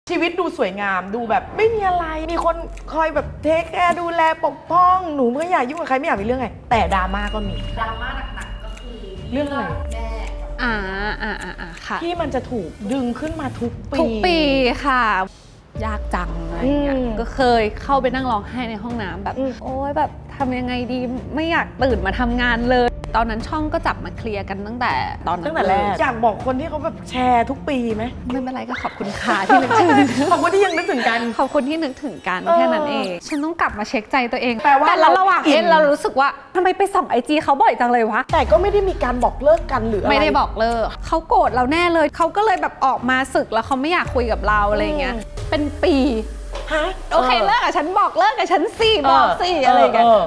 ชีวิตดูสวยงามดูแบบไม่มีอะไรมีคนคอยแบบเทคแคร์ดูแลปกป้องหนูไม่อยากยุ่งกับใครไม่อยากมีเรื่องไงแต่ดราม่าก็มีดราม่าหนักๆก็คือเรื่องอะไรแม่ค่ะที่มันจะถูกดึงขึ้นมาทุกปีค่ะยากจังอะไรอย่างเงี้ยก็เคยเข้าไปนั่งร้องไห้ในห้องน้ำแบบโอ๊ยแบบทำยังไงดีไม่อยากตื่นมาทำงานเลยตอนนั้นช่องก็จับมาเคลียร์กันตั้งแต่ตอนนั้นตั้งแต่แรกอยากบอกคนที่เขาแบบแชร์ทุกปีไหมไม่เป็นไรก็ขอบคุณค่ะที่นึกถึงขอบคุณที่ยังนึกถึงกันขอบคุณที่นึกถึงกันแค่นั้นเองฉันต้องกลับมาเช็คใจตัวเองแปลว่าแต่ระหว่างเรารู้สึกว่าทำไมไปส่องIGเขาบ่อยจังเลยวะแต่ก็ไม่ได้มีการบอกเลิกกันหรืออะไรไม่ได้บอกเลิกเขาโกรธเราแน่เลยเขาก็เลยแบบออกมาสึกแล้วเขาไม่อยากคุยกับเราอะไรเงี้ยเป็นปีฮะโอเคเลิกกับฉันบอกเลิกกับฉันสิบอกสิอะไรอย่างเงี้ย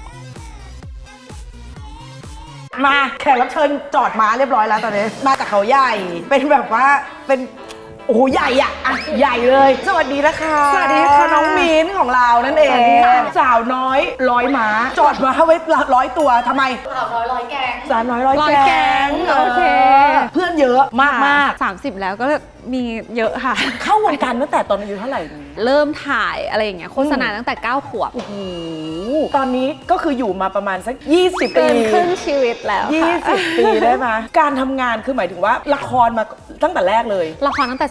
มาแขกรับเชิญจอดม้าเรียบร้อยแล้วตอนนี้มาจากเขาใหญ่เป็นแบบว่าเป็นโอ้โหใหญ่อะใหญ่เลยสวัสดีนะคะสวัสดีค่ะน้องมิ้นของเรานั่นเองสาวน้อย100 ม้าจอดม้าไว้100 ตัวทำไมสาวน้อยร้อยแกงสาวน้อย100 แกงโอเคเพื่อนเยอะมาก 30แล้วก็มีเยอะค่ะเข้าวงการตั้งแต่ตอนอายุเท่าไหร่เริ่มถ่ายอะไรอย่างเงี้ยโฆษณาตั้งแต่9 ขวบโอ้โหตอนนี้ก็คืออยู่มาประมาณสัก20 ปีเกินครึ่งชีวิตแล้วค่ะ 20 ปีได้ไหมการทำงานคือหมายถึงว่าละครมาตั้งแต่แรกเลยละครตั้งแต่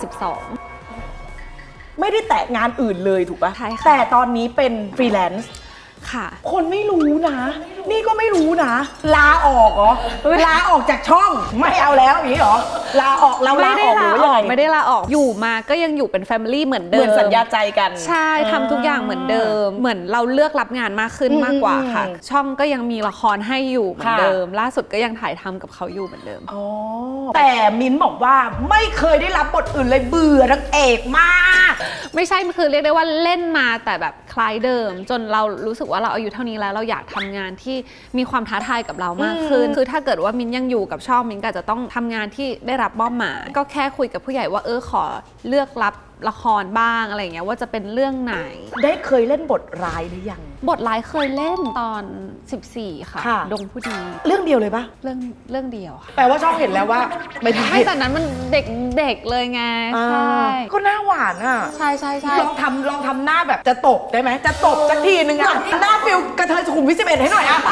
ไม่ได้แตะงานอื่นเลยถูกปะใช่ค่ะแต่ตอนนี้เป็นฟรีแลนซ์ค่ะคนไม่รู้นะนี่ก็ไม่รู้นะลาออกเหรอลาออกจากช่องไม่เอาแล้วอย่างนี้เหรอลาออกเราลาออกหรือยังไงไม่ได้ลาออกอยู่มาก็ยังอยู่เป็นแฟมิลี่เหมือนเดิมเหมือนสัญญาใจกันใช่ทำทุกอย่างเหมือนเดิมเหมือนเราเลือกรับงานมากขึ้นมากกว่าค่ะช่องก็ยังมีละครให้อยู่เหมือนเดิมล่าสุดก็ยังถ่ายทำกับเขาอยู่เหมือนเดิมแต่มิ้นบอกว่าไม่เคยได้รับบทอื่นเลยเบื่อนางเอกมากไม่ใช่คือเรียกได้ว่าเล่นมาแต่แบบคล้ายเดิมจนเรารู้สึกว่าเราอายุเท่านี้แล้วเราอยากทำงานที่มีความท้าทายกับเรามากขึ้นคือถ้าเกิดว่ามิ้นยังอยู่กับช่องมิ้นก็จะต้องทำงานที่ได้รับมอบหมายก็แค่คุยกับผู้ใหญ่ว่าขอเลือกรับละครบ้างอะไรเงี้ยว่าจะเป็นเรื่องไหนได้เคยเล่นบทร้ายหรือยังบทร้ายเคยเล่นตอน14ค่ะดงผู้ดีเรื่องเดียวเลยปะเรื่องเดียวค่ะแปลว่าช่องเห็นแล้วว่าไม่แต่นั้นมันเด็กเลยไงใช่ก็หน้าหวานอ่ะใช่ลองทำหน้าแบบจะตบได้ไหมจะตบสักทีนึงอ่ะหน้าฟิลกระเทยสุขุมวิท11ให้หน่อยอ่ะ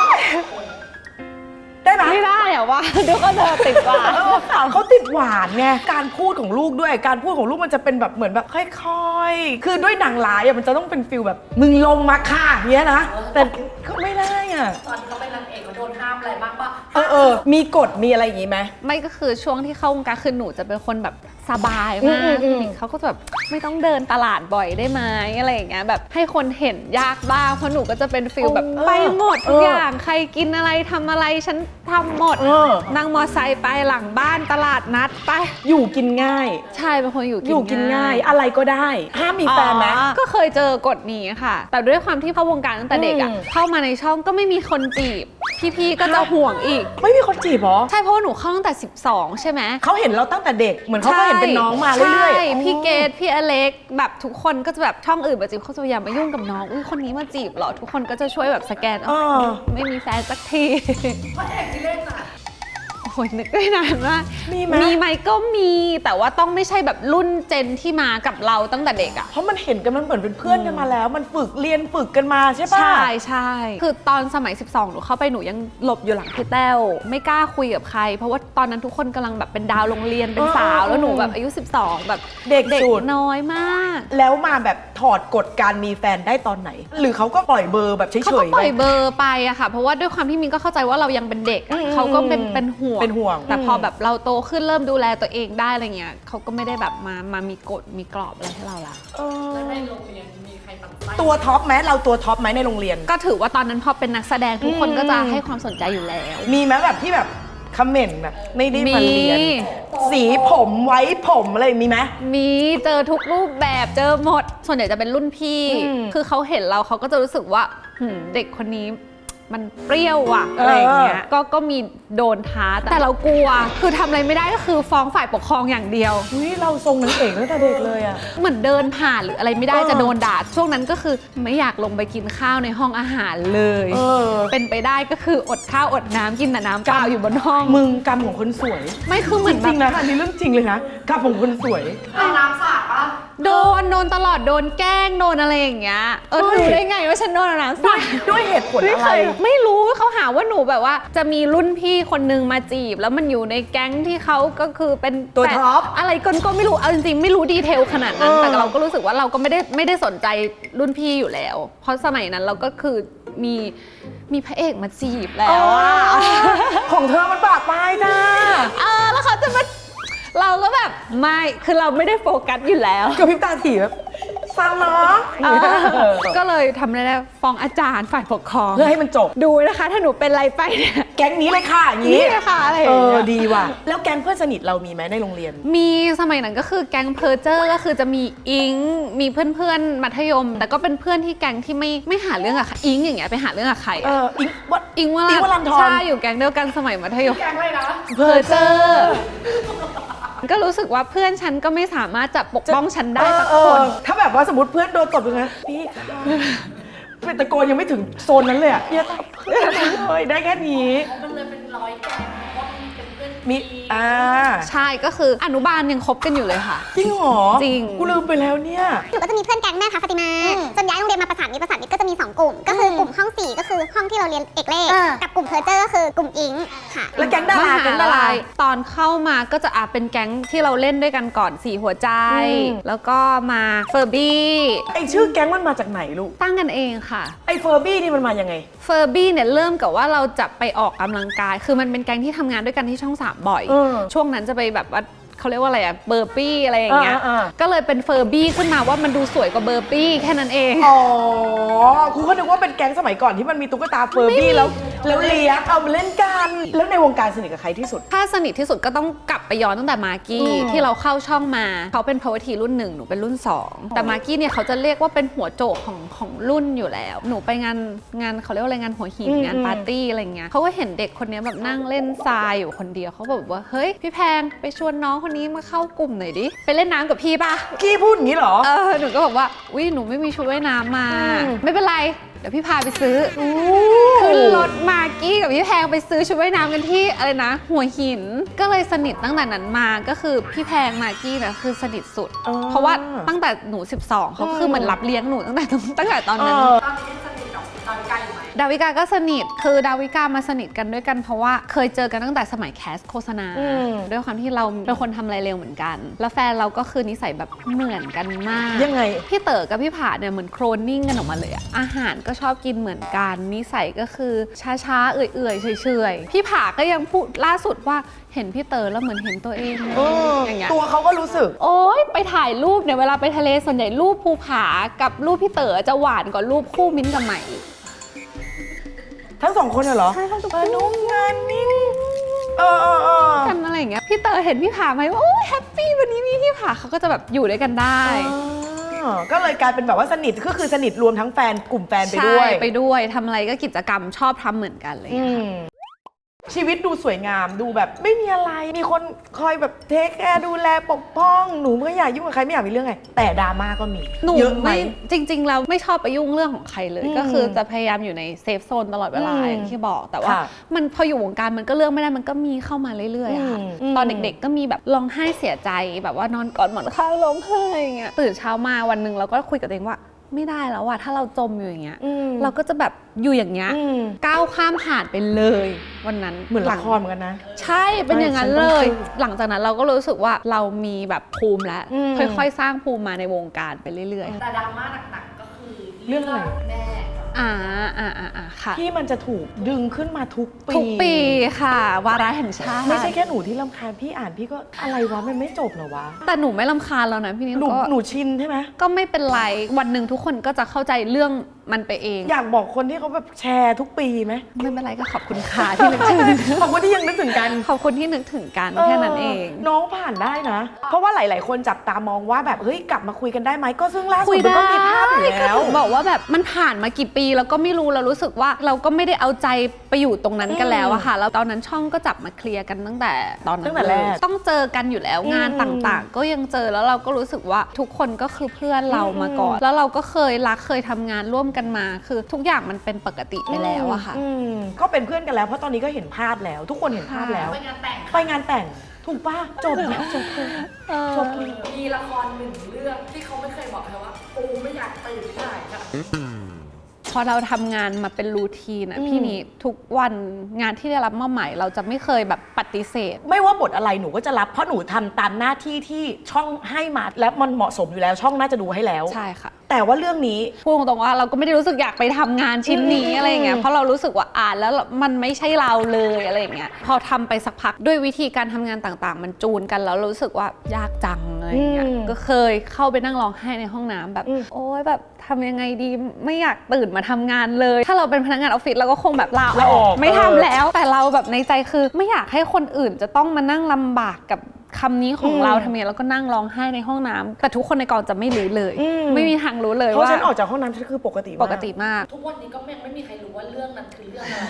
ได้ไหมไม่ได้อะว่าดูเขาจะติดหวานเขาติดหวานไงการพูดของลูกด้วยการพูดของลูกมันจะเป็นแบบเหมือนแบบค่อยๆคือด้วยหนังร้ายมันจะต้องเป็นฟิลแบบมึงลงมาค่ะเงี้ยนะแต่ก็ไม่ได้อ่ะตอนเขาเป็นนางเอกเขาโดนห้ามอะไรบ้างปะมีกฎมีอะไรอย่างงี้ไหมไม่ก็คือช่วงที่เข้าวงการคือหนูจะเป็นคนแบบสบายมากเขาก็แบบไม่ต้องเดินตลาดบ่อยได้ไหมอะไรอย่างเงี้ยแบบให้คนเห็นยากบ้างเพราะหนูก็จะเป็นฟิลแบบไปหมดทุกอย่างใครกินอะไรทำอะไรฉันทำหมดนั่งมอไซค์ไปหลังบ้านตลาดนัดไปอยู่กินง่ายใช่เป็นคนอยู่กินง่ายอะไรก็ได้ห้ามมีแฟนไหมก็เคยเจอกฎนี้ค่ะแต่ด้วยความที่เข้าวงการตั้งแต่เด็กอ่ะเข้ามาในช่องก็ไม่มีคนจีบพี่ๆก็จะห่วงอีกไม่มีคนจีบหรอใช่เพราะหนูเข้าตั้งแต่12ใช่ไหมเขาเห็นเราตั้งแต่เด็กเหมือนเขาก็เห็นเป็นน้องมาเรื่อยๆพี่เกดพี่อเล็กแบบทุกคนก็จะแบบช่องอื่นมาจีบเขาจะอย่ามายุ่งกับน้องอุ้ยคนนี้มาจีบเหรอทุกคนก็จะช่วยแบบสแกนไม่มีแฟนสักทีพระเอกที่เล่นอะโอ้ยนึกได้นานมากมีไหมก็มีแต่ว่าต้องไม่ใช่แบบรุ่นเจนที่มากับเราตั้งแต่เด็กอ่ะเพราะมันเห็นกันมันเหมือนเป็นเพื่อนกันมาแล้วมันฝึกเรียนฝึกกันมาใช่ปะใช่คือตอนสมัย12หนูเข้าไปหนูยังหลบอยู่หลังพี่แต้วไม่กล้าคุยกับใครเพราะว่าตอนนั้นทุกคนกำลังแบบเป็นดาวโรงเรียนเป็นสาวแล้วหนูแบบอายุ12แบบเด็กน้อยมากแล้วมาแบบถอดกฎการมีแฟนได้ตอนไหนหรือเขาก็ปล่อยเบอร์แบบเฉยๆเขาก็ปล่อยเบอร์ไปอะค่ะเพราะว่าด้วยความที่มินก็เข้าใจว่าเรายังเป็นเด็กเขาก็เป็นห่วงแต่พอแบบเราโตขึ้นเริ่มดูแลตัวเองได้อะไรเงี้ยเขาก็ไม่ได้แบบมามีกฎมีกรอบอะไรให้เราละแล้วในโรงเรียนมีใครตัดไส้ตัวท็อปไหมเราตัวท็อปไหมในโรงเรียนก็ถือว่าตอนนั้นพอเป็นนักแสดงทุกคนก็จะให้ความสนใจอยู่แล้วมีไหมแบบที่แบบคอมเมนต์แบบไม่ได้มาเรียนสีผมไว้ผมอะไรมีไหมมีเจอทุกรูปแบบเจอหมดส่วนใหญ่จะเป็นรุ่นพี่คือเขาเห็นเราเขาก็จะรู้สึกว่าเด็กคนนี้มันเปรี้ยวอะอะไรอย่างเงี้ยก็มีโดนท้าแต่เรากลัวคือทำอะไรไม่ได้ก็คือฟ้องฝ่ายปกครองอย่างเดียวเราทรงนั้นเองตั้งแต่เด็กเลยอะเหมือนเดินผ่านหรืออะไรไม่ได้จะโดนด่าช่วงนั้นก็คือไม่อยากลงไปกินข้าวในห้องอาหารเลยเป็นไปได้ก็คืออดข้าวอดน้ำกินแต่น้ำเปล่าอยู่บนห้องมึงกรรมของคนสวยไม่คือเหมือนจริงนะอันนี้เรื่องจริงเลยนะกรรมของคนสวยน้ำสาดปะโดนตลอดโดนแกล้งโดนอะไรอย่างเงี้ยเธอรู้ได้ไงว่าฉันโดนน้ำสาดด้วยเหตุผลอะไรไม่รู้เขาหาว่าหนูแบบว่าจะมีรุ่นพี่คนนึงมาจีบแล้วมันอยู่ในแก๊งที่เขาก็คือเป็นตัวท็อปอะไรก็ไม่รู้เอาจริงๆไม่รู้ดีเทลขนาดนั้นแต่เราก็รู้สึกว่าเราก็ไม่ได้สนใจรุ่นพี่อยู่แล้ว เพราะสมัยนั้นเราก็คือมีพระเอกมาจีบแล้วอะของเธอมันบาดปลายจ้าแล้วเขาจะมาเราก็แบบไม่คือเราไม่ได้โฟกัสอยู่แล้วกับพริบตาถี่แบบฟังเนาะก็เลยทำอะไรได้ฟ้องอาจารย์ฝ่ายปกครองเพื่อให้มันจบดูนะคะถ้าหนูเป็นอะไรไปเนี่ยแก๊งนี้เลยค่ะอย่างนี้นี่เลยค่ะอะไรอย่างเงี้ยดีว่ะแล้วแก๊งเพื่อนสนิทเรามีไหมในโรงเรียนมีสมัยนั้นก็คือแก๊งเพอร์เจอร์ก็คือจะมีอิงมีเพื่อนๆมัธยม แต่ก็เป็นเพื่อนที่แก๊งที่ไม่หาเรื่องกับใครอิงอย่างเงี้ยไปหาเรื่องกับใครอะอิงวัดอิงวอิ๊งวรันธรใช่อยู่แก๊งเดียวกันสมัยมัธยมแกงเลยนะเพอร์เจอร์ก็รู้สึกว่าเพื่อนฉันก็ไม่สามารถจะปกป้องฉันได้สักคนถ้าแบบว่าสมมติเพื่อนโดนตบอย่างนั้นพี่ค่ะเป็นตะโกนยังไม่ถึงโซนนั้นเลยอ่ะอย่าตบเพื่อนเลยได้แค่นี้มันเลยเป็นร้อยแกงเพราะว่ามันเป็นเพื่อนมีดีใช่ก็คืออนุบาลยังคบกันอยู่เลยค่ะจริงเหรอจริงกูลืมไปแล้วเนี่ยหนูก็จะมีเพื่อนแก๊งแม่ค้าฟาติมาจนย้ายโรงเรียนมาประสานมิตรก็จะมี 2 กลุ่ม ก็คือกลุ่มห้อง 4 ก็คือห้องที่เราเรียนเอกเลข กับกลุ่มเพอร์เจอร์ก็คือกลุ่มอิงค่ะแล้วแก๊งดาราแก๊งดาราตอนเข้ามาก็จะเป็นแก๊งที่เราเล่นด้วยกันก่อน4หัวใจ แล้วก็มาเฟอร์บี้ไอชื่อแก๊งมันมาจากไหนลูกตั้งกันเองค่ะไอเฟอร์บี้นี่มันมายังไงเฟอร์บี้เนี่ยเริ่มกับว่าเราจะไปออกกำลังกาย คือมันเป็นแก๊งที่ทำงานด้วยกันที่ช่อง 3 บ่อย ช่วงนั้นจะไปแบบว่าเขาเรียกว่าอะไรอะเบอร์ปี้อะไรอย่างเงี้ย ก็เลยเป็นเฟอร์บี้ขึ้นมาว่ามันดูสวยกว่าเบอร์ปี้แค่นั้นเองอ๋อครูก็นึกว่าเป็นแก๊งสมัยก่อนที่มันมีตุ๊กตาเฟอร์บี้แล้วเลี้ยงเอามาเล่นกัน แล้วในวงการสนิทกับใครที่สุดถ้าสนิทที่สุดก็ต้องกลับไปย้อนตั้งแต่มากกี้ที่เราเข้าช่องมาเขาเป็นพาวทีรุ่น 1หนูเป็นรุ่น 2 แต่มากกี้เนี่ยเขาจะเรียกว่าเป็นหัวโจกของรุ่นอยู่แล้ว หนูไปงานเขาเรียกว่าอะไรงานหัวหินงานปาร์ตี้อะไรเงี้ยเขาก็เห็นเด็กคนนี้แบบนั่งเล่นทรายอยู่คนเดียวเขาแบบว่าเฮ้ยพี่แพงไปชวนน้องคนนี้มาเข้ากลุ่มหน่อยดิไปเล่นน้ำกับพี่ป่ะกี้พูดอย่างนี้เหรอหนูก็บอกว่าอุ๊ยหนูไม่มีชุดว่ายน้ำมา ไม่เป็นไรเดี๋ยวพี่พาไปซื้อขึ้นรถมากกี้กับพี่แพงไปซื้อชุดว่ายน้ำกันที่อะไรนะ หัวหินก็เลยสนิทตั้งแต่นั้นมาก็คือพี่แพงมากกี้นะคือสนิทสุด เพราะว่าตั้งแต่หนู 12เขาคือเหมือนรับเลี้ยงหนูตั้งแต่ตอนนั้นตอนนี้ยังสนิทกับตอนไกลอยู่ไหมดาวิกาก็สนิทคือดาวิกามาสนิทกันด้วยกันเพราะว่าเคยเจอกันตั้งแต่สมัยแคสโฆษณาด้วยความที่เราเป็นคนทำอะไรเร็วเหมือนกัน แล้วแฟนเราก็คือนิสัยแบบเหมือนกันมากยังไงพี่เต๋อกับพี่ผาเนี่ยเหมือนโครนนิ่งกันออกมาเลยอะอาหารก็ชอบกินเหมือนกันนิสัยก็คือช้าๆเอื่อยๆเฉยๆพี่ผาก็ยังพูดล่าสุดว่าเห็นพี่เต๋อแล้วเหมือนเห็นตัวเองอย่างเงี้ยตัวเขาก็รู้สึกโอ๊ยไปถ่ายรูปเนี่ยเวลาไปทะเลส่วนใหญ่รูปภูผากับรูปพี่เต๋อจะหวานกว่ารูปคู่มิ้นท์กับใหม่ทั้งสองคนเหรอใช่ทั้งสองคนนุ่มงานนิ่งกันอะไรอย่างเงี้ยพี่เต๋อเห็นพี่ผาไหมว่าโอ้ยแฮปปี้วันนี้มีพี่ผาเขาก็จะแบบอยู่ด้วยกันได้ก็เลยกลายเป็นแบบว่าสนิทก็คือสนิทรวมทั้งแฟนกลุ่มแฟนไปด้วยใช่ไปด้วยทำอะไรก็กิจกรรมชอบทำเหมือนกันเลยค่ะชีวิตดูสวยงามดูแบบไม่มีอะไรมีคนคอยแบบเทคแคร์ดูแลปกป้องหนูไม่อยากยุ่งกับใครไม่อยากมีเรื่องไงแต่ดราม่าก็มีหนูเยอะไหมไม่จริงๆเราไม่ชอบไปยุ่งเรื่องของใครเลย ก็คือจะพยายามอยู่ในเซฟโซนตลอดเวลาอย่างที่บอกแต่ว่าค่ะมันพออยู่วงการมันก็เลือกไม่ได้มันก็มีเข้ามาเรื่อยๆอะค่ะ ตอนเด็กๆก็มีแบบร้องไห้เสียใจแบบว่านอนกอดหมอนข้างร้องไห้อย่างเงี้ยตื่นเช้ามาวันหนึ่งเราก็คุยกับตัวเองว่าไม่ได้แล้วอะถ้าเราจมอยู่อย่างเงี้ยเราก็จะแบบอยู่อย่างเงี้ยก้าวข้ามผ่านไปเลยวันนั้นเหมือนละครเหมือนกันนะใช่เป็นอย่างนั้นเลย หลังจากนั้นเราก็รู้สึกว่าเรามีแบบภูมิแล้วค่อยๆสร้างภูมิมาในวงการไปเรื่อยแต่ดราม่าหนักๆก็คือเรื่องอะไรแม่กับค่ะที่มันจะถูกดึงขึ้นมาทุกปีทุกปีค่ะ วาระแห่งชาติไม่ใช่แค่หนูที่รำคาญพี่อ่านพี่ก็อะไรวะมันไม่จบเหรอวะแต่หนูไม่รำคาญแล้วนะพี่นิ้วหนูชินใช่ไหมก็ไม่เป็นไรวันหนึ่งทุกคนก็จะเข้าใจเรื่องมันไปเองอยากบอกคนที่เขาแบบแชร์ทุกปีไหมไม่เป็นไรก็ขอบคุณค่ะที่นึกถึงขอบคุณที่ยังนึกถึงกันขอบคุณที่นึกถึงกันแค่นั้นเองน้องผ่านได้นะ เพราะว่าหลาย ๆ คนจับตามองว่าแบบเฮ้ยกลับมาคุยกันได้ไหมก็ซึ่งล่าสุคุดยมันได้ก็มีภาพอยู่ก็แล้วถึงบอกว่าแบบมันผ่านมากี่ปีแล้วก็ไม่รู้เรารู้สึกว่าเราก็ไม่ได้เอาใจไปอยู่ตรงนั้นกันแล้วอะค่ะแล้วตอนนั้นช่องก็จับมาเคลียร์กันตั้งแต่ตอนนั้นตั้งแต่แรกเลยต้องเจอกันอยู่แล้วงานต่างๆ ก็ยังเจอแล้วเราก็รู้สึกว่าทุกคนก็คือเพื่อนเรามาก่อนแล้วเราก็เคยรักเคยทำงานร่วมกันมาคือทุกอย่างมันเป็นปกติไปแล้วอะค่ะก็เป็นเพื่อนกันแล้วเพราะตอนนี้ก็เห็นภาพแล้ว ทุกคนเห็นภาพแล้วไปงานแต่งไปงานแต่งถูกป่ะจบแล้วจบเลยจบเลยมีละครหนึ่งเรื่องที่เขาไม่เคยบอกใครว่ากูไม่อยากตื่นถ่ายค่ะพอเราทำงานมาเป็นรูทีนอะพี่นี้ทุกวันงานที่ได้รับมอบหมายเราจะไม่เคยแบบปฏิเสธไม่ว่าบทอะไรหนูก็จะรับเพราะหนูทำตามหน้าที่ที่ช่องให้มาและมันเหมาะสมอยู่แล้วช่องน่าจะดูให้แล้วใช่ค่ะแต่ว่าเรื่องนี้พูดตรงๆว่าเราก็ไม่ได้รู้สึกอยากไปทำงานชิ้นนี้อะไรอย่างเงี้ยเพราะเรารู้สึกว่าอ่านแล้วมันไม่ใช่เราเลยอะไรอย่างเงี้ยพอทำไปสักพักด้วยวิธีการทำงานต่างๆ มันจูนกันแล้วรู้สึกว่ายากจังอะไรอย่างเงี้ยก็เคยเข้าไปนั่งร้องไห้ในห้องน้ำแบบโอ๊ยแบบทำยังไงดีไม่อยากตื่นมาทำงานเลยถ้าเราเป็นพนักงานออฟฟิศเราก็คงแบบลาออกไม่ทำแล้วแต่เราแบบในใจคือไม่อยากให้คนอื่นจะต้องมานั่งลำบากกับคำนี้ของเราทำไงแล้วก็นั่งร้องไห้ในห้องน้ำแต่ทุกคนในกองจะไม่รู้เลย ไม่มีทางรู้เลยเพราะว่าฉันออกจากห้องน้ำฉันคือปกติปกติมากทุกวันนี้ก็ไม่มีใครรู้ว่าเรื่องนั้นคือเรื่องอะไรนะ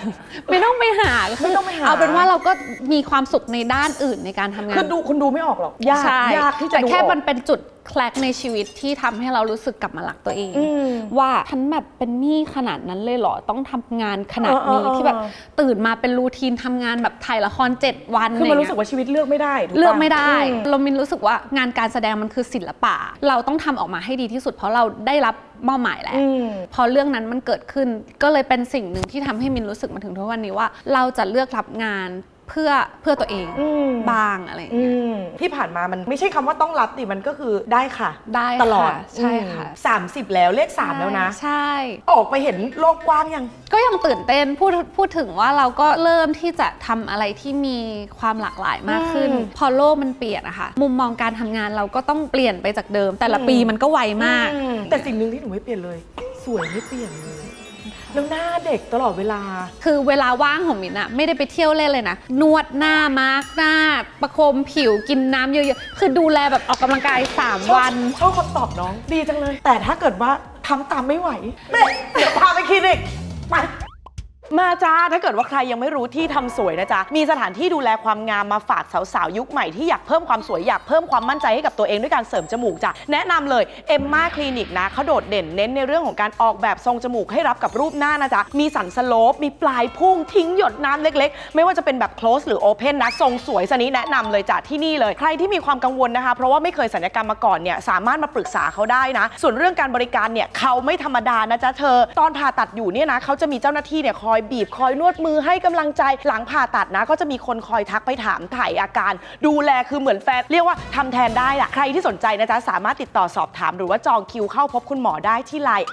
ไม่ต้องไปหาไม่ต้องไปหาเอาเป็นว่าเราก็มีความสุขในด้านอื่นในการทำงานคือคุณดูไม่ออกหรอกยากใช่ยากที่จะแต่ดูแค่ออกมันเป็นจุดแคลกในชีวิตที่ทำให้เรารู้สึกกลับมารักตัวเอง ว่าฉันแบบเป็นหนี้ขนาดนั้นเลยเหรอต้องทำงานขนาดนี้ที่แบบตื่นมาเป็นรูทีนทำงานแบบถ่ายละคร7 วันคือมันรู้สึกว่าชีวิตเลือกไม่ได้ถูปะเลือกไม่ได้เรามินรู้สึกว่างานการแสดงมันคือศิลปะเราต้องทำออกมาให้ดีที่สุดเพราะเราได้รับมอบหมายแล้วพอเรื่องนั้นมันเกิดขึ้นก็เลยเป็นสิ่งหนึ่งที่ทำให้มินรู้สึกมาถึงทุกวันนี้ว่าเราจะเลือกรับงานเพื่อตัวเองบ้างอะไรอย่างเงี้ยที่ผ่านมามันไม่ใช่คำว่าต้องรับดิมันก็คือได้ค่ะได้ตลอดค่ะใช่ค่ะ 30 แล้วเลข 3 แล้วนะใช่ออกไปเห็นโลกกว้างยังก็ยังตื่นเต้นพูดถึงว่าเราก็เริ่มที่จะทำอะไรที่มีความหลากหลายมากขึ้น พอโลกมันเปลี่ยนอะค่ะมุมมองการทำงานเราก็ต้องเปลี่ยนไปจากเดิม แต่ละปีมันก็ไวมากแต่สิ่งหนึ่งที่หนูไม่เปลี่ยนเลย สวยไม่เปลี่ยนเลยแล้วหน้าเด็กตลอดเวลาคือเวลาว่างของมินอะไม่ได้ไปเที่ยวเล่นเลยนะนวดหน้ามาร์กหน้าประโคมผิวกินน้ำเยอะๆคือดูแลแบบออกกำลังกาย3 วันชอบคำตอบน้องดีจังเลย แต่ถ้าเกิดว่าทำตามไม่ไหวเดี๋ยวพาไปคลินิกไปมาจ้าถ้าเกิดว่าใครยังไม่รู้ที่ทำสวยนะจ๊ะมีสถานที่ดูแลความงามมาฝากสาวๆยุคใหม่ที่อยากเพิ่มความสวยอยากเพิ่มความมั่นใจให้กับตัวเองด้วยการเสริมจมูกจ้ะแนะนำเลยเอมมาคลินิกนะเขาโดดเด่นเน้นในเรื่องของการออกแบบทรงจมูกให้รับกับรูปหน้านะจ๊ะมีสันสโลปมีปลายพุ่งทิ้งหยดน้ำเล็กๆไม่ว่าจะเป็นแบบ close หรือ open นะทรงสวยสนี้แนะนำเลยจ้ะที่นี่เลยใครที่มีความกังวลนะคะเพราะว่าไม่เคยศัลยกรรมมาก่อนเนี่ยสามารถมาปรึกษาเขาได้นะส่วนเรื่องการบริการเนี่ยเขาไม่ธรรมดานะจ๊ะเธอตอนผ่าตัดอยู่เนี่ยนะเขาจะมีเจ้าหน้าที่เนี่ยคอยบีบคอยนวดมือให้กำลังใจหลังผ่าตัดนะก็จะมีคนคอยทักไปถามถ่ายอาการดูแลคือเหมือนแฟนเรียกว่าทำแทนได้ล่ะใครที่สนใจนะจ๊ะสามารถติดต่อสอบถามหรือว่าจองคิวเข้าพบคุณหมอได้ที่ Line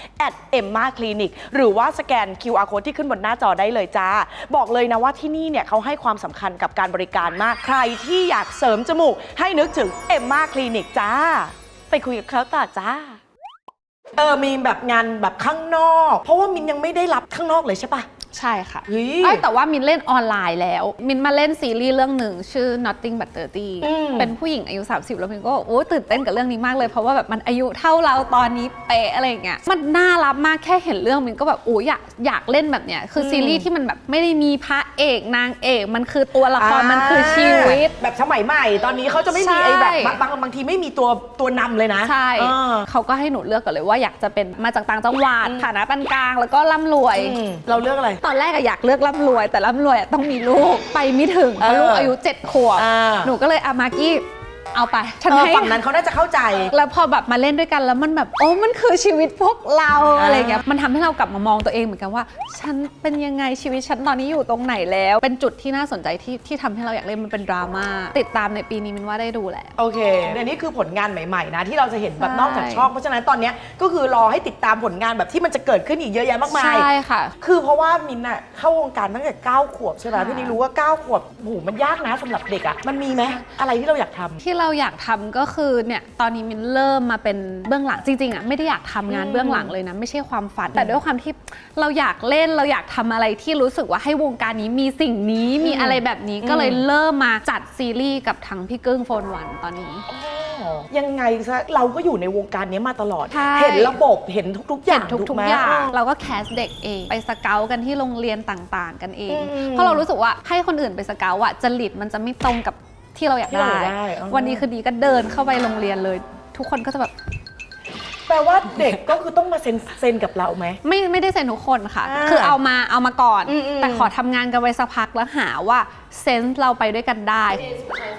@Emma Clinic หรือว่าสแกน QR Code ที่ขึ้นบนหน้าจอได้เลยจ้าบอกเลยนะว่าที่นี่เนี่ยเขาให้ความสำคัญกับการบริการมากใครที่อยากเสริมจมูกให้นึกถึง Emma Clinic จ้าไปคุยกับเขาต่อจ้ามีแบบงานแบบข้างนอกเพราะว่ามินยังไม่ได้รับข้างนอกเลยใช่ปะใช่ค่ะเฮ้ยแต่ว่ามินเล่นออนไลน์แล้วมินมาเล่นซีรีส์เรื่องหนึ่งชื่อ Nothing But 30 เป็นผู้หญิงอายุ 30 แล้วมินก็โอ้ตื่นเต้นกับเรื่องนี้มากเลยเพราะว่าแบบมันอายุเท่าเราตอนนี้เป๊ะอะไรอย่างเงี้ยมันน่ารักมากแค่เห็นเรื่องมินก็แบบโอ้อยากเล่นแบบเนี้ยคือซีรีส์ที่มันแบบไม่ได้มีพระเอกนางเอกมันคือตัวละครมันคือชีวิตแบบสมัยใหม่ตอนนี้เขาจะไม่มีใช่ไอ้แบบบางทีไม่มีตัวนำเลยนะใช่เขาก็ให้หนูเลือกก่อนเลยว่าอยากจะเป็นมาจากต่างจังหวัดฐานะปานกลางแล้วก็ร่ำรวยเราเลือกอะไรตอนแรกอยากเลือกร่ำรวยแต่ร่ำรวยต้องมีลูกไปไม่ถึงเพราะลูกอายุ7 ขวบหนูก็เลยมากี้เอาไปฉันให้ฝั่งนั้นเขาน่าจะเข้าใจแล้วพอแบบมาเล่นด้วยกันแล้วมันแบบโอ้มันคือชีวิตพวกเราอะไรเงี้ยมันทำให้เรากลับมามองตัวเองเหมือนกันว่าฉันเป็นยังไงชีวิตฉันตอนนี้อยู่ตรงไหนแล้วเป็นจุดที่น่าสนใจที่ทำให้เราอยากเล่นมันเป็นดราม่าติดตามในปีนี้มินว่าได้ดูแหละโอเคเดี๋ยวนี้คือผลงานใหม่ๆนะที่เราจะเห็นแบบนอกจากช่องเพราะฉะนั้นตอนนี้ก็คือรอให้ติดตามผลงานแบบที่มันจะเกิดขึ้นอีกเยอะแยะมากมายใช่ค่ะคือเพราะว่ามินอะเข้าวงการตั้งแต่9 ขวบใช่ไหมพี่นี่รู้ว่า9 ขวบโอ้โหมันยากนะสำหรับเด็กอะมันมีไหมอะไรที่เราอยากทำที่เราอยากทำก็คือเนี่ยตอนนี้มินเริ่มมาเป็นเบื้องหลังจริงๆอ่ะไม่ได้อยากทำงานเบื้องหลังเลยนะไม่ใช่ความฝันแต่ด้วยความที่เราอยากเล่นเราอยากทำอะไรที่รู้สึกว่าให้วงการนี้มีสิ่งนี้มีอะไรแบบนี้ก็เลยเริ่มมาจัดซีรีส์กับทั้งพี่กึ้งโฟนวันตอนนี้ยังไงซะเราก็อยู่ในวงการนี้มาตลอดใช่เห็นระบบเห็นทุกๆอย่างทุกถูไหมอย่างเราก็แคสเด็กเองไปสเกลกันที่โรงเรียนต่างๆ กันเอง เพราะเรารู้สึกว่าให้คนอื่นไปสเกลอะจริตมันจะไม่ตรงกับที่เราอยากได้ วันนี้คือดีก็เดินเข้าไปโรงเรียนเลย ทุกคนก็จะแบบแปลว่าเด็กก็คือต้องมาเซ็นกับเราไหมไม่ได้เซ็นทุกคนค่ะ คือเอามาก่อนอืมแต่ขอทำงานกันไว้สักพักแล้วหาว่าเซนส์เราไปด้วยกันได้เอสผู้ชาย2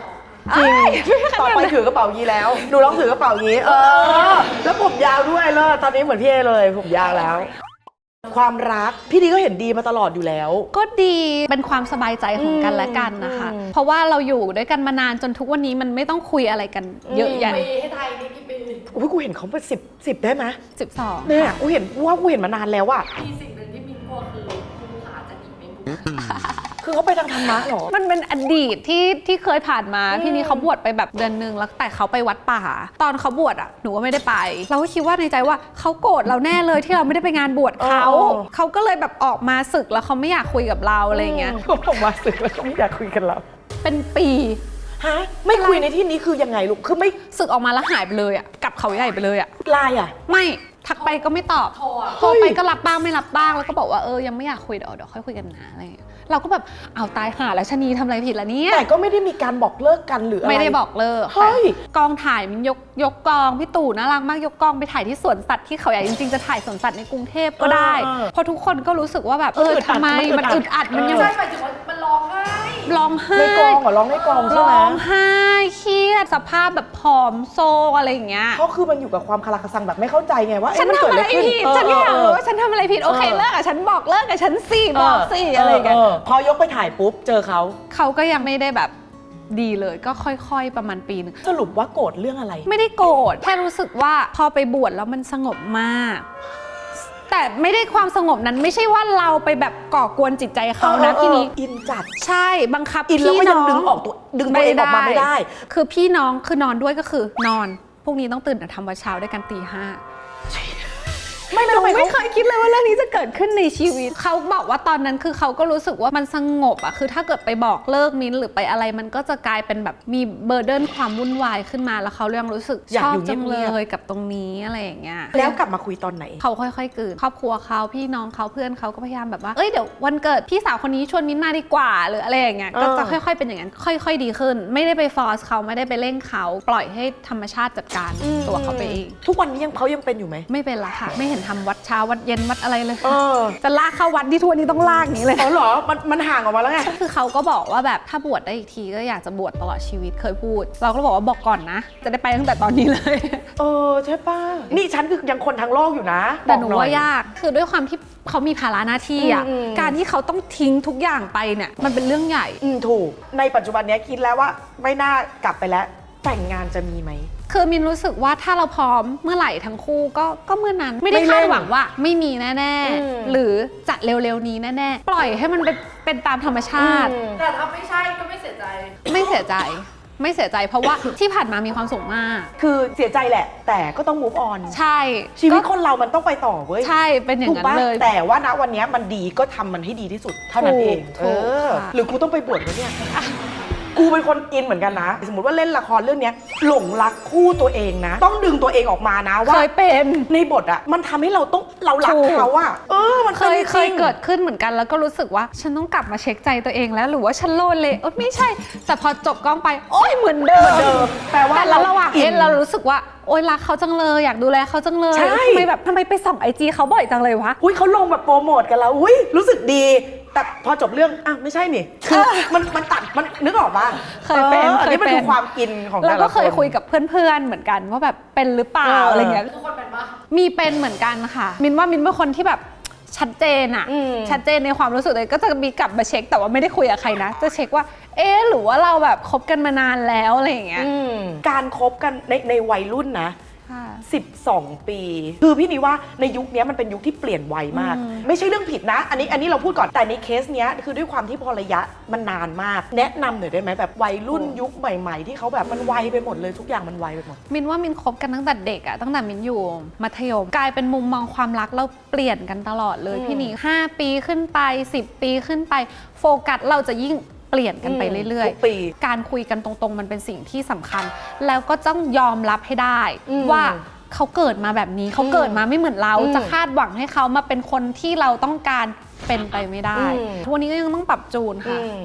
จริงต่อไปถือกระเป๋ายี้แล้วหนูลองถือกระเป๋ายี้แล้วผมยาวด้วยเลยตอนนี้เหมือนพี่เอเลยผมยาวแล้ว ความรักพี่ดีก็เห็นดีมาตลอดอยู่แล้วก็ดีเป็นความสบายใจของกันและกันนะคะ เพราะว่าเราอยู่ด้วยกันมานานจนทุกวันนี้มันไม่ต้องคุยอะไรกันเยอะแยะปีให้ไทยนี่กี่ปีอุ้ยกูเห็นเขาเป็นสิบได้ไหม 12 เนี่ยกูเห็นมานานแล้วอะมีสิ่งหนึ่งที่มินกลัวคือคุณขาจะหนีไม่บุกคือเขาไปทางธรรมะเหรอมันเป็นอดีตที่เคยผ่านมาพี่นี้เขาบวชไปแบบเดือนนึงแล้วแต่เขาไปวัดป่าตอนเขาบวชอ่ะหนูก็ไม่ได้ไปเราก็คิดว่าในใจว่าเขาโกรธเราแน่เลยที่เราไม่ได้ไปงานบวชเขาก็เลยแบบออกมาศึกแล้วเขาไม่อยากคุยกับเราอะไรเงี้ยเขาบอกมาสึกแล้วก็ไม่อยากคุยกันแล้วเป็นปีฮะไม่คุยในที่นี้คือยังไงลูกคือไม่ศึกออกมาแล้วหายไปเลยอ่ะกลับเขาใหญ่ไปเลยอ่ะไลน์อะไม่ทักไปก็ไม่ตอบ โทรไปก็รับบ้างไม่รับบ้างแล้วก็บอกว่ายังไม่อยากคุยเดี๋ยวค่อยคุยกันนะอะไรอย่างเงี้ยเราก็แบบเอาตายหาแล้วชะนีทำอะไรผิดล่ะเนี่ยแต่ก็ไม่ได้มีการบอกเลิกกันหรืออะไรไม่ได้บอกเลิกเฮ้ยกองถ่ายมันยกกองพี่ตู่น่ารักมากยกกองไปถ่ายที่สวนสัตว์ที่เขาใหญ่จริงๆจะถ่ายสวนสัตว์ในกรุงเทพก็ได้เพราะทุกคนก็รู้สึกว่าแบบทำไมมันอึดอัดมันยังใช่หมายถึงว่ามันร้องไห้ร้องไห้ในกองเหรอร้องในกองใช่ไหมร้องไห้เครียดสภาพแบบผอมโซอะไรอย่างเงี้ยเขาคือมันอยู่กับความคาราคาซังแบบไม่เข้าใจไงว่าฉันมันทำเกิดอะอะไรไรขึ้นผิดฉันอยากรู้ว่าฉันทำอะไรผิดโอเคเลิกกับฉันบอกเลิกกับฉันสิบอกสิอะไรอย่างเงี้ยพอยกไปถ่ายปุ๊บเจอเขาเขาก็ยังไม่ได้แบบดีเลยก็ค่อยๆประมาณปีนึงสรุปว่าโกรธเรื่องอะไรไม่ได้โกรธแค่รู้สึกว่าพอไปบวชแล้วมันสงบมาก แต่ไม่ได้ความสงบนั้นไม่ใช่ว่าเราไปแบบก่อกวนจิตใจเขานะพี่นี้อินจัดใช่บังคับอินแล้วก็พี่ยังน้ดึงตัวเองออกมาไม่ได้คือพี่น้องคือนอนด้วยก็คือนอนพรุ่งนี้ต้องตื่นแต่ทำวัดเช้าด้วยกันตี 5 ไม่แล้วทำไมไม่เคเขายคิดเลยว่าเรื่องนี้จะเกิดขึ้นในชีวิตเขาบอกว่าตอนนั้นคือเขาก็รู้สึกว่ามันสงบอะคือถ้าเกิดไปบอกเลิกมิ้นท์หรือไปอะไรมันก็จะกลายเป็นแบบมีเบอร์เดินความวุ่นวายขึ้นมาแล้วเขายังรู้สึกชอบจังเลยกับตรงนี้อะไรอย่างเงี้ยแล้วกลับมาคุยตอนไหนเขาค่อยๆกลืนครอบครัวเขาพี่น้องเขาเพื่อนเขาก็พยายามแบบว่าเอ้ยเดี๋ยววันเกิดพี่สาวคนนี้ชวนมิ้นท์มาดีกว่าหรืออะไรอย่างเงี้ยก็จะค่อยๆเป็นอย่างนั้นค่อยๆดีขึ้นไม่ได้ไปฟอร์สเขาไม่ได้ไปเร่งเขาปล่อยให้ธรรมชาติจัดการตัวเขาไปเองทุกวันนี้เขายังเป็นอยู่ไหมไม่เป็นละค่ะไม่เห็นทำวัดเช้าวัดเย็นวัดอะไรเลยจะลากเข้าวัดที่ทั่วนี้ต้องลากนี้เลยอ๋อเหรอมันห่างออกมาแล้วไงคือเขาก็บอกว่าแบบถ้าบวชได้อีกทีก็อยากจะบวชตลอดชีวิตเคยพูด เราก็บอกว่าบอกก่อนนะ จะได้ไปตั้งแต่ตอนนี้เลยใช่ป่ะนี่ฉันคือยังคนทั้งโลกอยู่นะแต่หนูบอกอยว่ายากคือด้วยความที่เขามีภาระหน้าที่อ่ะการที่เขาต้องทิ้งทุกอย่างไปเนี่ยมันเป็นเรื่องใหญ่ถูกในปัจจุบันนี้คิดแล้วว่าไม่น่ากลับไปแล้วแต่งงานจะมีไหมคือมินรู้สึกว่าถ้าเราพร้อมเมื่อไหร่ทั้งคู่ก็เมื่อนั้นไม่ได้ไม่เร่คาง ดหวังว่าไม่มีแน่ๆหรือจะเร็วๆนี้แน่ๆปล่อยให้มันเป็นตามธรรมชาติแต่ถ้าไม่ใช่ก็ไม่เสียใจไม่เสียใจไม่เสียใจเพราะว่าที่ผ่านมามีความสุขมากคือเสียใจแหละ แต่ก็ต้อง move on ใช่ชีวิตคนเรามันต้องไปต่อเว้ยใช่เป็นอย่างถูกนั้นปะเลยแต่ว่าณวันนี้มันดีก็ทำมันให้ดีที่สุดเท่านั้นเองถูกค่ะหรือกูต้องไปบวชวะเนี่ยกูเป็นคนอินเหมือนกันนะ สมมติว่าเล่นละครเรื่องนี้หลงรักคู่ตัวเองนะ ต้องดึงตัวเองออกมานะว่าเคยเป็นในบทอะมันทำให้เรารักเขาอะมันเคยจริงเกิดขึ้นเหมือนกันแล้วก็รู้สึกว่าฉันต้องกลับมาเช็คใจตัวเองแล้วหรือว่าฉันโลเลไม่ใช่ แต่พอจบกล้องไปโอ๊ยเหมือนเดิมแปลว่าแต่ระหว่างเรารู้สึกว่าโอ๊ยรักเขาจังเลยอยากดูแลเขาจังเลยใช่ทำไมไปส่องIGเขาบ่อยจังเลยวะอุ้ยเขาลงแบบโปรโมทกันแล้วอุ้ยรู้สึกดี แต่พอจบเรื่องไม่ใช่นี่คือมันตัดมันนึกออกปะเคยเป็นอันนี้มันคือความอินของแต่ละคนแล้วก็เคยคุยกับเพื่อนๆเหมือนกันว่าแบบเป็นหรือเปล่าอะไรเงี้ยทุกคนเป็นปะมีเป็นเหมือนกันค่ะมินเป็นคนที่แบบชัดเจนอะชัดเจนในความรู้สึกเลยก็จะมีกลับมาเช็คแต่ว่าไม่ได้คุยกับใครนะจะเช็คว่าหรือว่าเราแบบคบกันมานานแล้วอะไรอย่างเงี้ยการคบกันในวัยรุ่นนะค่ะ 12 ปี คือพี่นี่ว่าในยุคนี้มันเป็นยุคที่เปลี่ยนไวมาก ไม่ใช่เรื่องผิดนะ อันนี้เราพูดก่อนแต่ในเคสเนี้ยคือด้วยความที่พอระยะมันนานมาก แนะนำหน่อยได้ไหมแบบวัยรุ่นยุคใหม่ๆ ที่เขาแบบมันไวไปหมดเลยทุกอย่างมันไวไปหมดมินว่ามินคบกันตั้งแต่เด็กอะตั้งแต่มินอยู่มัธยมกลายเป็นมุมมองความรักเราเปลี่ยนกันตลอดเลยพี่หนิง5 ปีขึ้นไป10 ปีขึ้นไปโฟกัสเราจะยิ่งเปลี่ยนกันไปเรื่อยทุกปีๆการคุยกันตรงๆมันเป็นสิ่งที่สำคัญ แล้วก็ต้องยอมรับให้ได้ว่าเขาเกิดมาแบบนี้เขาเกิดมาไม่เหมือนเราจะคาดหวังให้เขามาเป็นคนที่เราต้องการเป็นไปไม่ได้ทุกวันนี้ก็ยังต้องปรับจูนค่ะ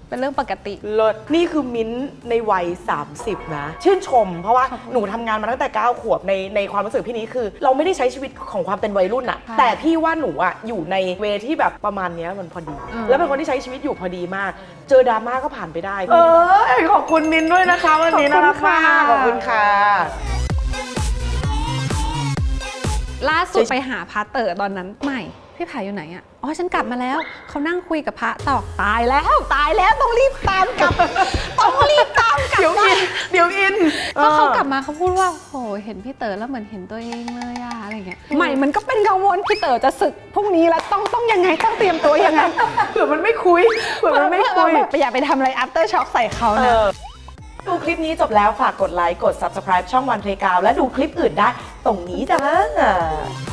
เป็นเรื่องปกติเลิศนี่คือมิ้นท์ในวัย 30 นะ ชื่นชม เพราะว่าหนูทำงานมาตั้งแต่ 9 ขวบในความรู้สึกพี่นี้คือ เราไม่ได้ใช้ชีวิตของความเป็นวัยรุ่นอะใช่แต่พี่ว่าหนูอะอยู่ในเวที่แบบประมาณเนี้ยมันพอดี แล้วเป็นคนที่ใช้ชีวิตอยู่พอดีมาก เจอดราม่าก็ผ่านไปได้ ขอบคุณมิ้นท์ด้วยนะคะวันนี้น่ารักมากขอบคุณค่ะล่าสุดไปหาพระเต๋อตอนนั้นใหม่พี่ไผ่อยู่ไหนอะอ๋อฉันกลับมาแล้วเขานั่งคุยกับพระต่อตายแล้วต้องรีบตามกลับ ต้องรีบตามกลับเดี๋ยวอินเพราะเขากลับมาเขาพูดว่าโหเห็นพี่เต๋อแล้วเหมือนเห็นตัวเองเลยอะอะไรเงี้ยใหม่มันก็เป็นกังวลพี่เต๋อจะศึกพรุ่งนี้แล้วต้องยังไงต้องเตรียมตัวยังไงเผื่อมันไม่คุยแบบอย่าไปทำอะไร after shock ใส่เขานะดูคลิปนี้จบแล้วฝากกดไลค์กด subscribe ช่องวันเพลงกาวและดูคลิปอื่นได้ตรงนี้จ้า